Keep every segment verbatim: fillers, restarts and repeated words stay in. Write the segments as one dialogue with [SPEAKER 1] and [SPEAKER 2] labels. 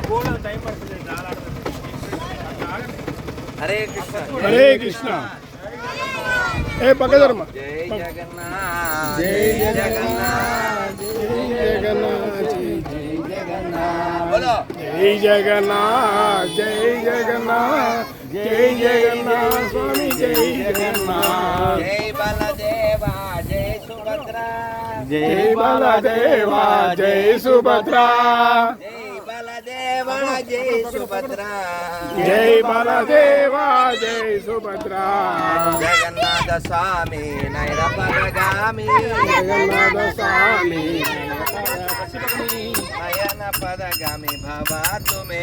[SPEAKER 1] हरे कृष्ण
[SPEAKER 2] हरे कृष्ण ए पकड़मा
[SPEAKER 1] जय जगन्नाथ जय जगन्नाथ
[SPEAKER 2] जय जगन्नाथ
[SPEAKER 1] जय जगन्नाथ बोलो
[SPEAKER 2] जय जगन्नाथ जय जगन्नाथ जय जगन्नाथ स्वामी जय जगन्नाथ
[SPEAKER 1] जय बलदेवा जय सुभद्रा
[SPEAKER 2] जय बलदेवा जय सुभद्रा
[SPEAKER 1] जय बलदेवा जय सुभद्रा
[SPEAKER 2] जय बलदेवा जय सुभद्रा
[SPEAKER 1] जगन्नाथ स्वामी नयनपदगामी
[SPEAKER 2] जगन्नाथ स्वामी
[SPEAKER 1] नयन पदगामी भवातु मे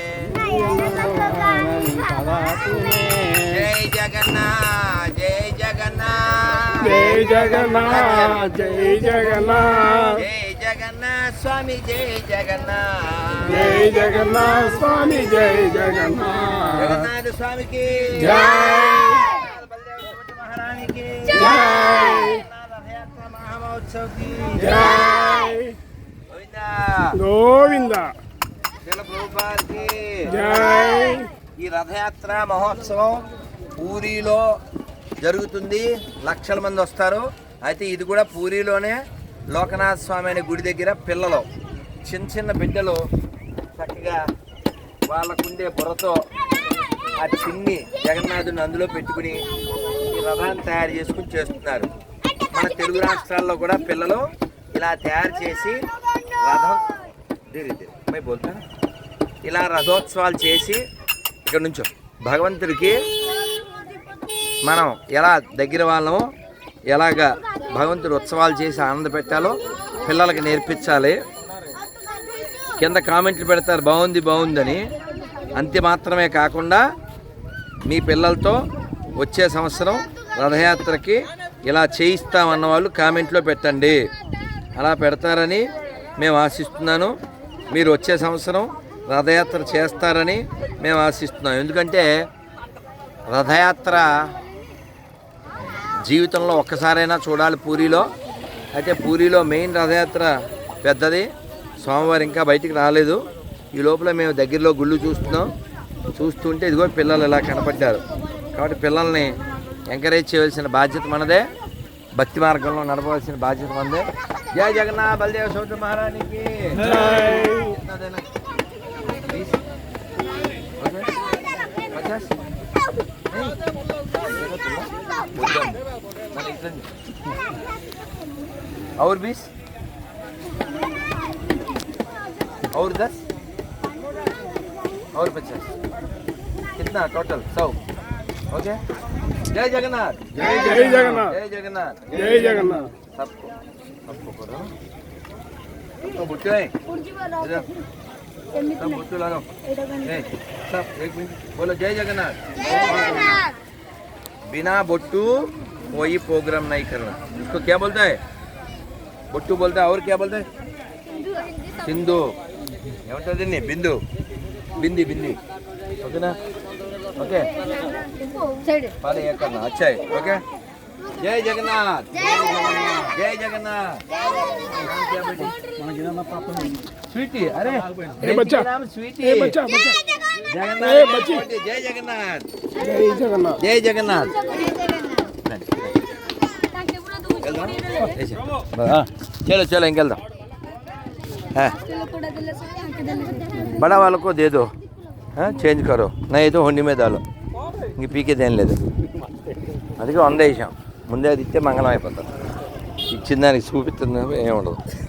[SPEAKER 1] जय जगन्नाथ जय जगन्नाथ
[SPEAKER 2] जय जगन्नाथ जय जगन्नाथ
[SPEAKER 1] जय जगन्नाथ स्वामी जय जगन्नाथ
[SPEAKER 2] जय जगन्नाथ स्वामी जय जगन्नाथ
[SPEAKER 1] जगन्नाथ स्वामी की
[SPEAKER 2] जय
[SPEAKER 1] बलदेव महारानी की
[SPEAKER 2] जय
[SPEAKER 1] रथ यात्रा महामहोत्सव की
[SPEAKER 2] जय
[SPEAKER 1] गोविंदा
[SPEAKER 2] गोविंद
[SPEAKER 1] శ్రీల ప్రభుపాద్ కి
[SPEAKER 2] जय
[SPEAKER 1] ఈ రథయాత్ర మహోత్సవం పూరిలో జరుగుతుంది. లక్షల మంది వస్తారు. అయితే ఇది కూడా పూరిలోనే లోకనాథ స్వామి అనే గుడి దగ్గర పిల్లలు చిన్న చిన్న బిడ్డలు చక్కగా వాళ్ళకుండే బుర్రతో ఆ చిన్ని జగన్నాథుని అందులో పెట్టుకుని ఈ రథాన్ని తయారు చేసుకుని చేస్తున్నారు. మన తెలుగు రాష్ట్రాల్లో కూడా పిల్లలు ఇలా తయారు చేసి రథం మై బోల్తా ఇలా రథోత్సవాలు చేసి ఇక్కడ నుంచో భగవంతుడికి మనం ఎలా దగ్గర వాళ్ళము ఎలాగా భగవంతుడు ఉత్సవాలు చేసి ఆనంద పెట్టాలో పిల్లలకి నేర్పించాలి. కింద కామెంట్లు పెడతారు బాగుంది బాగుందని. అంతే మాత్రమే కాకుండా మీ పిల్లలతో వచ్చే సంవత్సరం రథయాత్రకి ఇలా చేయిస్తామన్న వాళ్ళు కామెంట్లో పెట్టండి. అలా పెడతారని మేము ఆశిస్తున్నాను. మీరు వచ్చే సంవత్సరం రథయాత్ర చేస్తారని మేము ఆశిస్తున్నాం. ఎందుకంటే రథయాత్ర జీవితంలో ఒక్కసారైనా చూడాలి పూరిలో. అయితే పూరిలో మెయిన్ రథయాత్ర పెద్దది. సోమవారం ఇంకా బయటికి రాలేదు. ఈ లోపల మేము దగ్గరలో గుళ్ళు చూస్తున్నాం. చూస్తుంటే ఇదిగో పిల్లలు ఇలా కనపడ్డారు. కాబట్టి పిల్లల్ని ఎంకరేజ్ చేయవలసిన బాధ్యత మనదే. భక్తి మార్గంలో నడపవలసిన బాధ్యత మనదే. జయ జగన్నాథ బలదేవ సౌత మహారాణికి और बीस और दस और पचास कितना टोटल सौ ओके. जय जगन्नाथ
[SPEAKER 2] जय जय जगन्नाथ
[SPEAKER 1] जय जगन्नाथ
[SPEAKER 2] जय जगन्नाथ
[SPEAKER 1] सबको सबको करो तो बुट्टे हैं इधर सब बुट्टे लगाओ ए सब एक मिनट बोलो जय जगन्नाथ. बिना बुट्टू कोई प्रोग्राम नहीं करना. इसको क्या बोलता है? बुट्टू बोलता है. और क्या बोलता है? सिंधु ఏమంటుంది నీ బిందు బింది బింది ఓకేనా ఓకే పాలే ఏకన్నా అచ్చాయి ఓకే. जय जगन्नाथ जय जगन्नाथ. स्वीटी अरे
[SPEAKER 2] ए बच्चा
[SPEAKER 1] नाम स्वीटी
[SPEAKER 2] ए बच्चा बच्चा
[SPEAKER 1] जगन्नाथ
[SPEAKER 2] ए बच्ची
[SPEAKER 1] जय जगन्नाथ
[SPEAKER 2] जय जगन्नाथ
[SPEAKER 1] जय जगन्नाथ. हाँ चलो चलो इंकल दो है बड़ा वालों को दे दो. हाँ चेंज करो नहीं तो हुंडी में डालो. ఇంక పీకేదేం లేదు. అందుకే వంద వేసాం. ముందే అది ఇస్తే మంగళం అయిపోతుంది. ఇచ్చిన దానికి చూపిస్తుంది ఏముండదు.